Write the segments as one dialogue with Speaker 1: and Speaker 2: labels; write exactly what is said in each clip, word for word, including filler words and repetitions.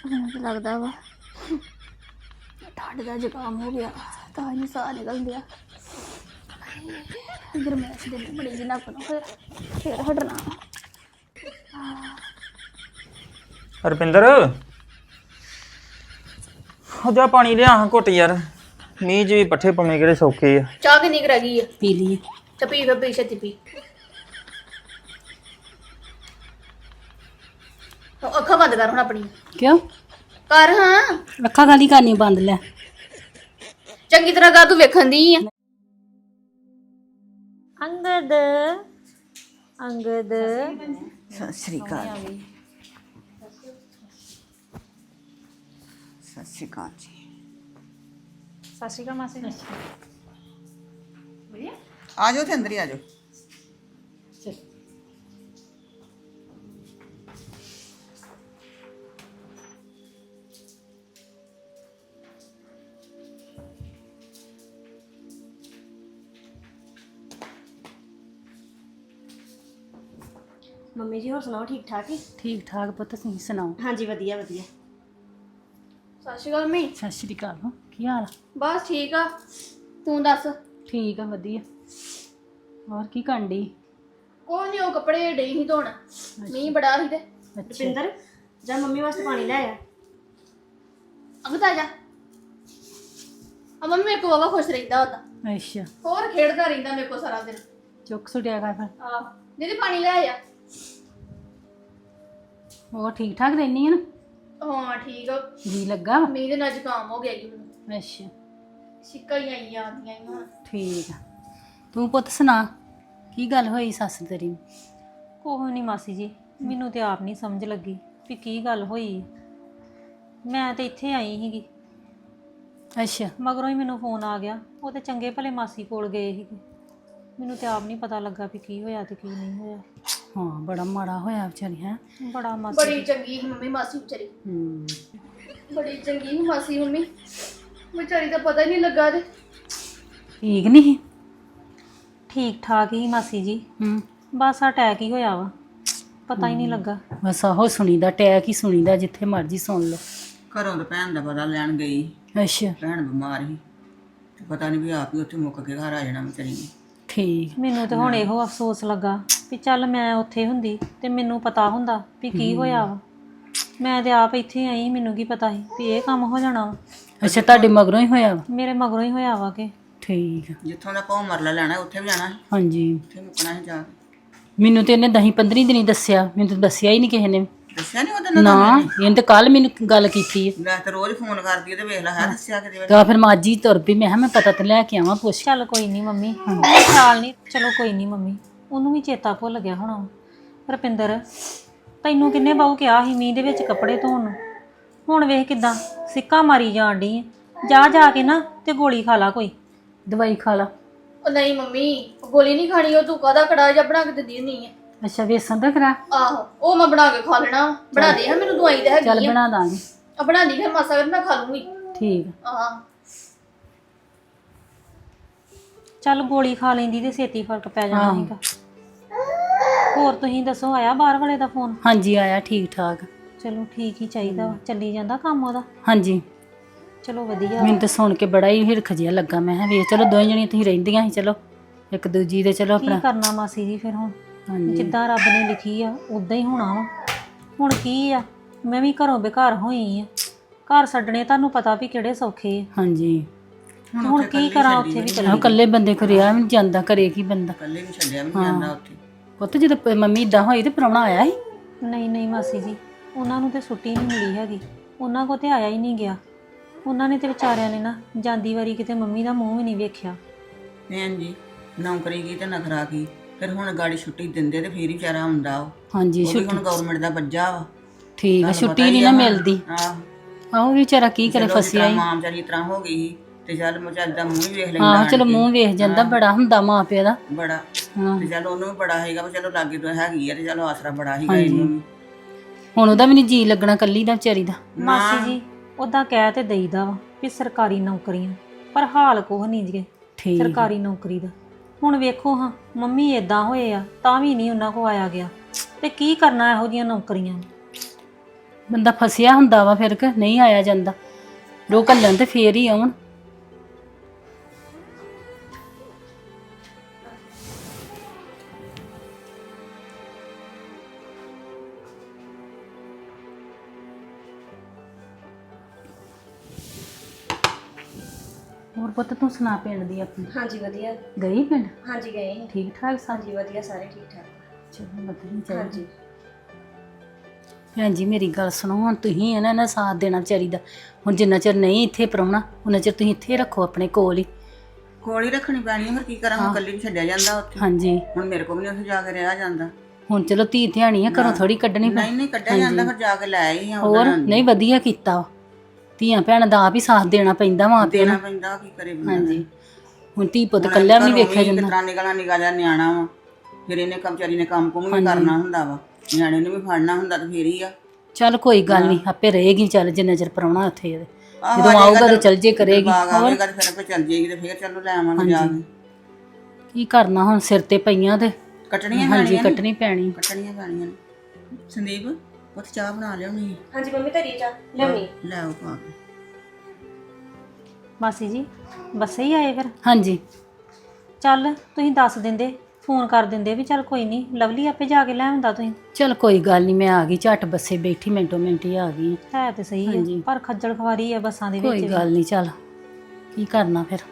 Speaker 1: ਮੈਨੂੰ ਤਾਂ ਲੱਗਦਾ ਵਾ ਠੰਡ ਦਾ ਜ਼ੁਕਾਮ ਹੋ ਗਿਆ ਤਾਂ ਹੀ ਸਾਹ ਨਿਕਲ ਗਿਆ। ਗਰਮੈਸ਼ ਦੇ ਬੜੀ ਜਿਹੀ ਨੱਕ ਨੂੰ ਫਿਰ ਫਿਰ ਹਟਣਾ।
Speaker 2: ਰੁਪਿੰਦਰ ਹੋ ਜਾ ਪਾਣੀ ਲਿਆ ਹਾਂ ਘੁੱਟ ਯਾਰ। ਮੀਂਹ 'ਚ ਵੀ ਪੱਠੇ ਪਾਉਣੇ ਕਿਹੜੇ ਸੌਖੇ ਆ।
Speaker 1: ਚਾਹ ਕਿੰਨੀ ਕੁ ਰਹਿ ਗਈ ਆ?
Speaker 3: ਪੀ ਲਈ
Speaker 1: ਚੱਲ ਪੀ ਫਿਰ ਪੀ ਛੇਤੀ ਪੀ। ਉਹ ਅੱਖਾਂ ਬੰਦ ਕਰ ਹੁਣ ਆਪਣੀ।
Speaker 3: ਕਿਉਂ
Speaker 1: ਕਰ ਹਾਂ
Speaker 3: ਅੱਖਾਂ ਗਾਲੀ ਕਰਨੀ ਬੰਦ ਲੈ।
Speaker 1: ਚੰਗੀ ਤਰ੍ਹਾਂ ਕਰ ਤੂੰ ਵੇਖਣ ਦੀ ਆ।
Speaker 4: ਅੰਗਦ ਅੰਗਦ
Speaker 3: ਸਤਿ ਸ੍ਰੀ ਅਕਾਲ ਸਤਿ ਸ੍ਰੀ ਅਕਾਲ ਜੀ।
Speaker 4: ਸਤਿ ਸ਼੍ਰੀ ਅਕਾਲ ਮਾਸੀ।
Speaker 5: ਆ ਜਾਓ ਤੇ ਅੰਦਰ ਹੀ ਆ ਜਾਓ।
Speaker 6: ਮੰਮੀ ਜੀ ਹੋਰ ਸੁਣਾਓ ਠੀਕ ਠਾਕ ਹੀ?
Speaker 3: ਠੀਕ ਠਾਕ ਪੁੱਤ ਤੁਸੀਂ ਸੁਣਾਓ?
Speaker 6: ਹਾਂਜੀ ਵਧੀਆ ਵਧੀਆ।
Speaker 1: ਸਤਿ ਸ਼੍ਰੀ ਅਕਾਲ ਮੰਮੀ।
Speaker 3: ਸਤਿ ਸ੍ਰੀ ਅਕਾਲ ਕੀ ਹਾਲ ਆ?
Speaker 1: ਬਸ ਠੀਕ ਆ ਤੂੰ ਦੱਸ।
Speaker 3: ਠੀਕ ਆ ਵਧੀਆ। ਹੋਰ ਕੀ ਕਰਨ ਡਈ?
Speaker 1: ਕੋਈ ਨਹੀਂ ਉਹ ਕੱਪੜੇ ਡਈ ਸੀ ਧੋਣ ਮੀਂਹ ਬੜਾ ਸੀ ਤੇ।
Speaker 3: ਅੱਛਾ
Speaker 6: ਰੁਪਿੰਦਰ ਜਾ ਮੰਮੀ ਵਾਸਤੇ ਪਾਣੀ ਲੈ ਆ।
Speaker 1: ਅੰਗਦ ਆ ਜਾ। ਆ ਮੰਮੀ ਮੇਰੇ ਕੋ ਵਾਵਾ ਖੁਸ਼ ਰਹਿੰਦਾ ਉਹਦਾ।
Speaker 3: ਅੱਛਾ
Speaker 1: ਹੋਰ ਖੇਡਦਾ ਰਹਿੰਦਾ ਮੇਰੇ ਕੋ ਸਾਰਾ ਦਿਨ।
Speaker 3: ਚੁੱਕ ਸੁਟਿਆ ਕਰ ਫਿਰ।
Speaker 1: ਆਹ ਦੀਦੀ ਪਾਣੀ ਲੈ ਆ।
Speaker 3: ਹੋਰ ਠੀਕ ਠਾਕ ਰਹਿਨੀ ਆ ਨਾ?
Speaker 1: ਹਾਂ ਠੀਕ ਆ।
Speaker 3: ਜੀ ਲੱਗਾ ਵਾ?
Speaker 1: ਮੀਂਹ ਦੇ ਨਾਲ ਜ਼ੁਕਾਮ ਹੋ ਗਿਆ ਜੀ ਮੈਨੂੰ।
Speaker 3: ਅੱਛਾ
Speaker 1: ਛਿੱਕਾਂ ਹੀ ਆਈਆਂ ਆਉਂਦੀਆਂ ਹੀ ਹੁਣ।
Speaker 3: ਠੀਕ ਆ। ਤੂੰ ਪੁੱਤ ਸੁਣਾ ਕੀ ਗੱਲ ਹੋਈ ਸੱਸ ਤੇਰੀ ਨੂੰ?
Speaker 4: ਕੋਹ ਨਹੀਂ ਮਾਸੀ ਜੀ, ਮੈਨੂੰ ਤੇ ਆਪ ਨਹੀਂ ਸਮਝ ਲੱਗੀ ਵੀ ਕੀ ਗੱਲ ਹੋਈ। ਮੈਂ ਤੇ ਇੱਥੇ ਆਈ ਸੀਗੀ,
Speaker 3: ਅੱਛਾ
Speaker 4: ਮਗਰੋਂ ਹੀ ਮੈਨੂੰ ਫੋਨ ਆ ਗਿਆ। ਉਹ ਤੇ ਚੰਗੇ ਭਲੇ ਮਾਸੀ ਕੋਲ ਗਏ ਸੀਗੇ। ਮੈਨੂੰ ਤੇ ਆਪ ਨਹੀਂ ਪਤਾ ਲੱਗਾ ਵੀ ਕੀ ਹੋਇਆ ਤੇ ਕੀ ਨਹੀਂ ਹੋਇਆ।
Speaker 3: ਹਾਂ ਬੜਾ ਮਾੜਾ ਹੋਇਆ ਵਿਚਾਰੀ ਹੈ।
Speaker 4: ਬੜਾ ਮਾਸੀ
Speaker 1: ਬੜੀ ਚੰਗੀ ਸੀ ਮੰਮੀ ਮਾਸੀ ਵਿਚਾਰੀ।
Speaker 3: ਹੂੰ
Speaker 1: ਬੜੀ ਚੰਗੀ ਸੀ ਮਾਸੀ ਮੰਮੀ ਵਿਚਾਰੀ ਦਾ ਪਤਾ ਹੀ ਨਹੀਂ ਲੱਗਾ ਤੇ।
Speaker 3: ਠੀਕ ਨਹੀਂ?
Speaker 4: ਠੀਕ ਠਾਕ ਹੀ ਮਾਸੀ ਜੀ,
Speaker 3: ਹੂੰ
Speaker 4: ਬਸ ਅਟੈਕ ਹੀ ਹੋਇਆ ਵਾ, ਪਤਾ ਹੀ ਨਹੀਂ ਲੱਗਾ।
Speaker 3: ਬਸ ਆਹੋ ਸੁਣੀਦਾ ਟੈਕ ਹੀ ਸੁਣੀਦਾ ਜਿੱਥੇ ਮਰਜ਼ੀ ਸੁਣ ਲਓ।
Speaker 5: ਘਰੋਂ ਤਾਂ ਭੈਣ ਦਾ ਪਤਾ ਲੈਣ ਗਈ।
Speaker 3: ਅੱਛਾ
Speaker 5: ਭੈਣ ਬਿਮਾਰ ਸੀ ਤੇ ਪਤਾ ਨਹੀਂ ਵੀ ਆਪ ਹੀ ਉੱਥੇ ਮੁੱਕ ਕੇ ਘਰ ਆ ਜਾਣਾ ਵਿਚਾਰੀ ਨੇ।
Speaker 3: ਠੀਕ
Speaker 4: ਮੈਨੂੰ ਤੇ ਹੁਣ ਇਹੋ ਅਫਸੋਸ ਲੱਗਾ ਵੀ ਚੱਲ ਮੈਂ ਉੱਥੇ ਹੁੰਦੀ ਤੇ ਮੈਨੂੰ ਪਤਾ ਹੁੰਦਾ ਵੀ ਕੀ ਹੋਇਆ ਵਾ। ਮੈਂ ਤੇ ਆਪ ਇੱਥੇ ਆਈ, ਮੈਨੂੰ ਕੀ ਪਤਾ ਸੀ ਵੀ ਇਹ ਕੰਮ ਹੋ ਜਾਣਾ ਵਾ।
Speaker 3: ਅੱਛਾ ਤੁਹਾਡੇ ਮਗਰੋਂ ਹੀ ਹੋਇਆ ਵਾ?
Speaker 4: ਮੇਰੇ ਮਗਰੋਂ ਹੀ ਹੋਇਆ ਵਾ ਕਿ।
Speaker 3: ਠੀਕ ਆ।
Speaker 5: ਜਿੱਥੋਂ ਦਾ ਭੌ ਮਰਲਾ ਲੈਣਾ ਉੱਥੇ ਵੀ ਜਾਣਾ ਸੀ,
Speaker 3: ਹਾਂਜੀ
Speaker 5: ਉੱਥੇ ਮੁੱਕਣਾ ਸੀ ਜਾ ਕੇ।
Speaker 3: ਮੈਨੂੰ ਤੇ ਇਹਨੇ ਦਹੀਂ ਪੰਦਰੀ ਦਿਨੀ ਦੱਸਿਆ, ਮੈਨੂੰ ਤਾਂ ਦੱਸਿਆ ਹੀ ਨਹੀਂ ਕਿਸੇ ਨੇ।
Speaker 5: ਦੱਸਿਆ ਨਹੀਂ ਉਹਦੇ ਨਾਲ?
Speaker 3: ਨਾ ਇਹਨੇ ਤਾਂ ਕੱਲ ਮੈਨੂੰ ਗੱਲ ਕੀਤੀ ਹੈ।
Speaker 5: ਮੈਂ ਤਾਂ ਰੋਜ਼ ਫੋਨ ਕਰਦੀ ਆ ਤੇ ਵੇਖ ਲੈ ਹੈ ਦੱਸਿਆ ਕਿਤੇ।
Speaker 3: ਤਾਂ ਫਿਰ ਮੈਂ ਅੱਜ ਹੀ ਤੁਰ ਪਈ। ਮੈਂ ਕਿਹਾ ਮੈਂ ਪਤਾ ਤੇ ਲੈ ਕੇ ਆਵਾਂ ਪੁੱਛ।
Speaker 4: ਚੱਲ ਕੋਈ ਨਹੀਂ ਮੰਮੀ, ਖਿਆਲ ਨਹੀਂ। ਚਲੋ ਕੋਈ ਨਹੀਂ ਮੰਮੀ, ਉਹਨੂੰ ਵੀ ਚੇਤਾ ਭੁੱਲ ਗਿਆ ਹੋਣਾ। ਰੁਪਿੰਦਰ ਤੈਨੂੰ ਕਿੰਨੇ ਬਾਹੂ ਕਿਹਾ ਸੀ ਮੀਂਹ ਦੇ ਵਿੱਚ ਕੱਪੜੇ ਧੋਣ ਨੂੰ? ਹੁਣ ਵੇਖ ਕਿਦਾਂ ਸਿੱਕਾ ਮਾਰੀ ਜਾਣ ਡਈ ਹੈ। ਜਾ ਜਾ ਕੇ ਨਾ ਤੇ ਗੋਲੀ ਖਾ ਲਾ, ਕੋਈ
Speaker 3: ਦਵਾਈ ਖਾ ਲਾ।
Speaker 1: ਉਹ ਨਹੀਂ ਮੰਮੀ ਗੋਲੀ ਨਹੀਂ ਖਾਣੀ, ਉਹ ਤੂੰ ਕਾਹਦਾ ਕੜਾ ਜਿਹਾ ਬਣਾ ਕੇ ਦਿੰਦੀ ਨਹੀਂ ਹੈ।
Speaker 3: ਅੱਛਾ ਵੇਸਣ ਦਾ ਕਰਾ?
Speaker 1: ਆਹੋ ਉਹ ਮੈਂ ਬਣਾ ਕੇ ਖਾ ਲੈਣਾ। ਬਣਾ ਦੇ ਹਾਂ ਮੈਨੂੰ ਦਵਾਈ ਤਾਂ ਹੈਗੀ
Speaker 3: ਚੱਲ
Speaker 1: ਆ।
Speaker 3: ਬਣਾ ਦਾਂਗੇ।
Speaker 1: ਆ ਬਣਾਦੀ ਫਿਰ ਮਾਸਾ ਕਰ ਮੈਂ ਖਾ ਲੂੰਗੀ।
Speaker 3: ਠੀਕ ਆ।
Speaker 1: ਆਹ
Speaker 4: ਚੱਲ ਗੋਲੀ ਖਾ ਲੈਂਦੀ ਤੇ ਛੇਤੀ ਫਰਕ ਪੈ ਜਾਣਾ ਸੀਗਾ। ਹੋਰ ਤੁਸੀਂ ਦੱਸੋ, ਆਇਆ ਬਾਹਰ ਵਾਲੇ ਦਾ ਫੋਨ?
Speaker 3: ਹਾਂਜੀ ਆਇਆ ਠੀਕ ਠਾਕ।
Speaker 4: ਚਲੋ ਠੀਕ ਹੀ ਚਾਹੀਦਾ ਵਾ, ਚੱਲੀ ਜਾਂਦਾ ਕੰਮ ਉਹਦਾ।
Speaker 3: ਹਾਂਜੀ
Speaker 4: ਚਲੋ ਵਧੀਆ।
Speaker 3: ਮੈਨੂੰ ਤਾਂ ਸੁਣ ਕੇ ਬੜਾ ਹੀ ਹਿਰਖ ਜਿਹਾ ਲੱਗਾ। ਮੈਂ ਕਿਹਾ ਵੇਖ ਚਲੋ ਦੋਵੇਂ ਜਣੀਆਂ ਤੁਸੀਂ ਰਹਿੰਦੀਆਂ ਸੀ, ਚਲੋ ਇੱਕ ਦੂਜੀ ਦੇ ਚਲੋ
Speaker 4: ਕੀ
Speaker 3: ਆਪਣਾ।
Speaker 4: ਕਰਨਾ ਮਾਸੀ ਜੀ ਫਿਰ ਹੁਣ,
Speaker 3: ਹਾਂਜੀ
Speaker 4: ਜਿੱਦਾਂ ਰੱਬ ਨੇ ਲਿਖੀ ਆ ਉਦਾਂ ਹੀ ਹੋਣਾ ਵਾ। ਹੁਣ ਕੀ ਆ, ਮੈਂ ਵੀ ਘਰੋਂ ਬੇਘਰ ਹੋਈ ਆ। ਘਰ ਛੱਡਣੇ ਤੁਹਾਨੂੰ ਪਤਾ ਵੀ ਕਿਹੜੇ ਸੌਖੇ ਆ।
Speaker 3: ਹਾਂਜੀ
Speaker 4: ਹੁਣ ਕੀ ਕਰਾਂ, ਉੱਥੇ ਵੀ
Speaker 3: ਆਹੋ
Speaker 4: ਚੱਲੀ।
Speaker 3: ਇਕੱਲੇ ਬੰਦੇ ਕੋ ਰਿਹਾ ਵੀ ਨਹੀਂ ਜਾਂਦਾ, ਕਰੇ ਕੀ ਬੰਦਾ।
Speaker 5: ਇਕੱਲੇ ਵੀ ਛੱਡਿਆ ਵੀ ਨਹੀਂ ਜਾਂਦਾ ਉੱਥੇ।
Speaker 3: ਪੁੱਤ ਜਦੋਂ ਪ- ਮੰਮੀ ਇਦਾਂ ਹੋਈ ਤੇ ਪ੍ਰਾਹੁਣਾ ਆਇਆ ਸੀ?
Speaker 4: ਨਹੀਂ ਨਹੀਂ ਮਾਸੀ ਜੀ, ਉਹਨਾਂ ਨੂੰ ਤੇ ਛੁੱਟੀ ਨਹੀਂ ਮਿਲੀ ਹੈਗੀ। ਉਹਨਾਂ ਕੋ ਤੇ ਆਇਆ ਹੀ ਨਹੀਂ ਗਿਆ। ਉਹਨਾਂ ਨੇ ਤੇ ਵਿਚਾਰਿਆਂ ਨੇ ਨਾ ਜਾਂਦੀ ਵਾਰੀ ਕਿਤੇ ਮੰਮੀ ਦਾ ਮੂੰਹ ਵੀ ਨਹੀਂ ਵੇਖਿਆ।
Speaker 5: ਭੈਣ ਜੀ ਨੌਕਰੀ ਕੀ ਤੇ ਨਖਰਾ ਕੀ, ਫਿਰ ਹੁਣ ਗਾੜੀ ਛੁੱਟੀ ਦਿੰਦੇ ਤੇ ਫੇਰ ਹੀ ਵਿਚਾਰਾ ਹੁੰਦਾ ਉਹ।
Speaker 3: ਹਾਂਜੀ
Speaker 5: ਉਹ ਵੀ ਹੁਣ ਗਵਰਨਮੈਂਟ ਦਾ ਬੱਜਾ ਵਾ।
Speaker 3: ਠੀਕ ਆ।
Speaker 5: ਤੁਹਾਨੂੰ
Speaker 3: ਛੁੱਟੀ
Speaker 5: ਪਤਾ
Speaker 3: ਨਹੀਂ
Speaker 5: ਹੀ
Speaker 3: ਨਾ
Speaker 5: ਆ ਹੁਣ।
Speaker 3: ਮਿਲਦੀ।
Speaker 5: ਆਹ
Speaker 3: ਆਹੋ ਵਿਚਾਰਾ ਕੀ ਕਰੇ,
Speaker 5: ਚਲੋ ਜਿਸ
Speaker 3: ਫਸਿਆ
Speaker 5: ਤਰ੍ਹਾਂ
Speaker 3: ਹੀ।
Speaker 5: ਮਾਂ ਵਿਚਾਰੀ ਇਸ ਤਰ੍ਹਾਂ ਹੋ ਗਈ ਸੀ ਤੇ ਚੱਲ ਮਚਾਲ ਦਾ ਮੂੰਹ ਵੀ ਵੇਖ ਲੈਂਦਾ।
Speaker 3: ਹਾਂ
Speaker 5: ਆਣ
Speaker 3: ਚਲੋ
Speaker 5: ਕੇ।
Speaker 3: ਮੂੰਹ ਵੇਖ ਜਾਂਦਾ, ਬੜਾ ਹੁੰਦਾ ਮਾਂ ਪਿਓ ਦਾ।
Speaker 5: ਬੜਾ
Speaker 3: ਹਾਂ
Speaker 5: ਤੇ ਚੱਲ ਉਹਨੂੰ ਵੀ ਬੜਾ ਹੈਗਾ ਵੀ ਚਲੋ ਲਾਗੇ ਤੋਂ ਹੈਗੀ ਆ ਤੇ ਚਲੋ ਆਸਰਾ ਬੜਾ ਸੀਗਾ ਇਹਨੂੰ ਵੀ।
Speaker 3: ਹੁਣ ਉਹਦਾ ਵੀ ਨਹੀਂ ਜੀ ਲੱਗਣਾ ਕੱਲੀ ਦਾ ਵਿਚਾਰੀ ਦਾ।
Speaker 4: ਮਾਸੀ ਜੀ ਉਦਾਂ ਕਹਿ ਤੇ ਦੇਈਦਾ ਵਾ ਵੀ ਸਰਕਾਰੀ ਨੌਕਰੀਆਂ, ਪਰ ਹਾਲ ਕੁਛ ਨਹੀਂ ਜੀ
Speaker 3: ਠੀਕ
Speaker 4: ਸਰਕਾਰੀ ਨੌਕਰੀ ਦਾ। ਹੁਣ ਵੇਖੋ ਹਾਂ ਮੰਮੀ ਇਦਾਂ ਹੋਏ ਆ ਤਾਂ ਵੀ ਨਹੀਂ ਉਹਨਾਂ ਕੋ ਆਇਆ ਗਿਆ, ਤੇ ਕੀ ਕਰਨਾ ਇਹੋ ਜਿਹੀਆਂ ਨੌਕਰੀਆਂ।
Speaker 3: ਬੰਦਾ ਫਸਿਆ ਹੁੰਦਾ ਵਾ ਫਿਰ ਕਿ ਨਹੀਂ ਆਇਆ ਜਾਂਦਾ। ਰੋ ਘੱਲਣ ਤੇ ਫੇਰ ਹੀ ਆਉਣ। ਹੋਰ ਪੁੱਤ ਤੂੰ ਸੁਣਾ ਪਿੰਡ ਦੀ ਆਪਣੀ?
Speaker 6: ਹਾਂਜੀ ਵਧੀਆ।
Speaker 3: ਗਈ ਪਿੰਡ?
Speaker 6: ਹਾਂਜੀ ਗਏ ਸੀ।
Speaker 3: ਠੀਕ ਠਾਕ ਸਭ?
Speaker 6: ਹਾਂਜੀ ਵਧੀਆ, ਸਾਰੇ ਠੀਕ ਠਾਕ।
Speaker 3: ਚਲੋ ਵਧੀਆ ਚਾਹੀਦਾ।
Speaker 6: ਹਾਂਜੀ
Speaker 3: ਭੈਣ ਜੀ ਮੇਰੀ ਗੱਲ ਸੁਣੋ, ਹੁਣ ਤੁਸੀਂ ਇਹਨਾਂ ਨਾਲ ਸਾਥ ਦੇਣਾ ਚਾਹੀਦਾ। ਹੁਣ ਜਿੰਨਾ ਚਿਰ ਨਹੀਂ ਇੱਥੇ ਪ੍ਰਾਹੁਣਾ ਉਹਨਾਂ ਚਿਰ ਤੁਸੀਂ ਇੱਥੇ ਰੱਖੋ ਆਪਣੇ ਕੋਲ ਹੀ।
Speaker 5: ਕੋਲ ਹੀ ਰੱਖਣੀ ਪੈਣੀ ਹੈ, ਫਿਰ ਕੀ ਕਰਾਂ, ਹੁਣ ਇਕੱਲੀ ਨੂੰ ਛੱਡਿਆ ਜਾਂਦਾ ਉੱਥੇ।
Speaker 3: ਹਾਂਜੀ
Speaker 5: ਹੁਣ ਮੇਰੇ ਕੋਲ ਵੀ ਨਹੀਂ ਉੱਥੇ ਜਾ ਕੇ ਰਿਹਾ ਜਾਂਦਾ।
Speaker 3: ਹੁਣ ਚਲੋ ਧੀ ਧਿਆਣੀ ਆ, ਘਰੋਂ ਥੋੜੀ ਕੱਢਣੀ ਪੈ।
Speaker 5: ਨਹੀਂ ਨਹੀਂ ਕੱਢਿਆ ਜਾਂਦਾ, ਫਿਰ ਜਾ ਕੇ ਲੈ ਆਈ ਆ।
Speaker 3: ਹੋਰ ਨਹੀਂ ਵਧੀਆ ਕੀਤਾ ਵਾ। ਧੀਆਂ ਭੈਣਾਂ ਦਾ ਆਪ ਹੀ ਸਾਥ ਦੇਣਾ ਪੈਂਦਾ ਮਾਂ ਪਿਓ
Speaker 5: ਦੇਣਾ
Speaker 3: ਨੂੰ।
Speaker 5: ਪੈਂਦਾ, ਕੀ ਕਰੇ ਬੰਦਾ।
Speaker 3: ਹਾਂਜੀ ਹੁਣ ਧੀ ਪੁੱਤ ਕੱਲਿਆ ਵੀ ਨਹੀਂ ਵੇਖਿਆ ਜਾਂਦਾ।
Speaker 5: ਕਿਤਨਾ ਨਿਕਲਣਾ ਨਿਕਾ ਜਾ ਨਿਆਣਾ ਵਾ, ਫਿਰ ਇਹਨੇ ਕੰਮਚਾਰੀ ਨੇ ਕੰਮ ਕੁਮ ਵੀ ਕਰਨਾ ਹੁੰਦਾ ਵਾ, ਨਿਆਣੇ ਨੂੰ ਵੀ ਫੜਨਾ ਹੁੰਦਾ ਤੇ ਫੇਰ ਹੀ ਆ।
Speaker 3: ਚੱਲ ਕੋਈ ਗੱਲ ਨਹੀਂ, ਆਪੇ ਰਹੇਗੀ ਚੱਲ ਜਿੰਨਾ ਚਿਰ ਪ੍ਰਾਹੁਣਾ ਉੱਥੇ ਇਹਦੇ। ਜਦੋਂ ਆਊਗਾ ਤੇ ਚੱਲ ਜੇ ਕਰੇਗੀ।
Speaker 5: ਬਾਗ ਆਵੇਗਾ ਤੇ ਫਿਰ ਆਪੇ ਚੱਲ ਜੇਗੀ ਤੇ ਫੇਰ ਚਲੋ ਲੈ ਆਵਾਂਗੇ ਜਾ ਕੇ।
Speaker 3: ਕੀ ਕਰਨਾ ਹੁਣ, ਸਿਰ ਤੇ ਪਈਆਂ ਤੇ
Speaker 5: ਕੱਟਣੀਆਂ
Speaker 3: ਹਾਂਜੀ
Speaker 5: ਪੈਣੀਆਂ ਨੇ,
Speaker 3: ਕੱਟਣੀ ਪੈਣੀ।
Speaker 5: ਕੱਟਣੀਆਂ ਪੈਣੀਆਂ ਨੇ। ਸੰਦੀਪ ਉੱਥੇ ਚਾਹ ਬਣਾ ਲਿਆਉਣੀ।
Speaker 6: ਹਾਂਜੀ ਮੰਮੀ ਧਰੀ ਜਾ ਲਿਆਉਣੀ।
Speaker 5: ਲੈ ਆਓ ਪਾ ਕੇ।
Speaker 4: ਮਾਸੀ ਜੀ ਬੱਸੇ ਹੀ ਆਏ ਫਿਰ?
Speaker 3: ਹਾਂਜੀ
Speaker 4: ਚੱਲ ਤੁਸੀਂ ਦੱਸ ਦਿੰਦੇ, ਫੋਨ ਕਰ ਦਿੰਦੇ ਵੀ ਚੱਲ ਕੋਈ ਨਹੀਂ, ਲਵਲੀ ਆਪੇ ਜਾ ਕੇ ਲੈ ਆਉਂਦਾ। ਤੁਸੀਂ
Speaker 3: ਚਲ ਕੋਈ ਗੱਲ ਨਹੀਂ, ਮੈਂ ਆ ਗਈ ਝੱਟ ਬੱਸੇ ਬੈਠੀ, ਮਿੰਟੋ ਮਿੰਟ ਹੀ ਆ ਗਈ।
Speaker 4: ਹੈ ਤੇ ਸਹੀ ਹੈ, ਪਰ ਖੱਜਲ ਖਵਾਰੀ ਹੈ ਬੱਸਾਂ ਦੇ ਵਿੱਚ।
Speaker 3: ਕੋਈ ਗੱਲ ਨਹੀਂ, ਚੱਲ ਕੀ ਕਰਨਾ ਫਿਰ।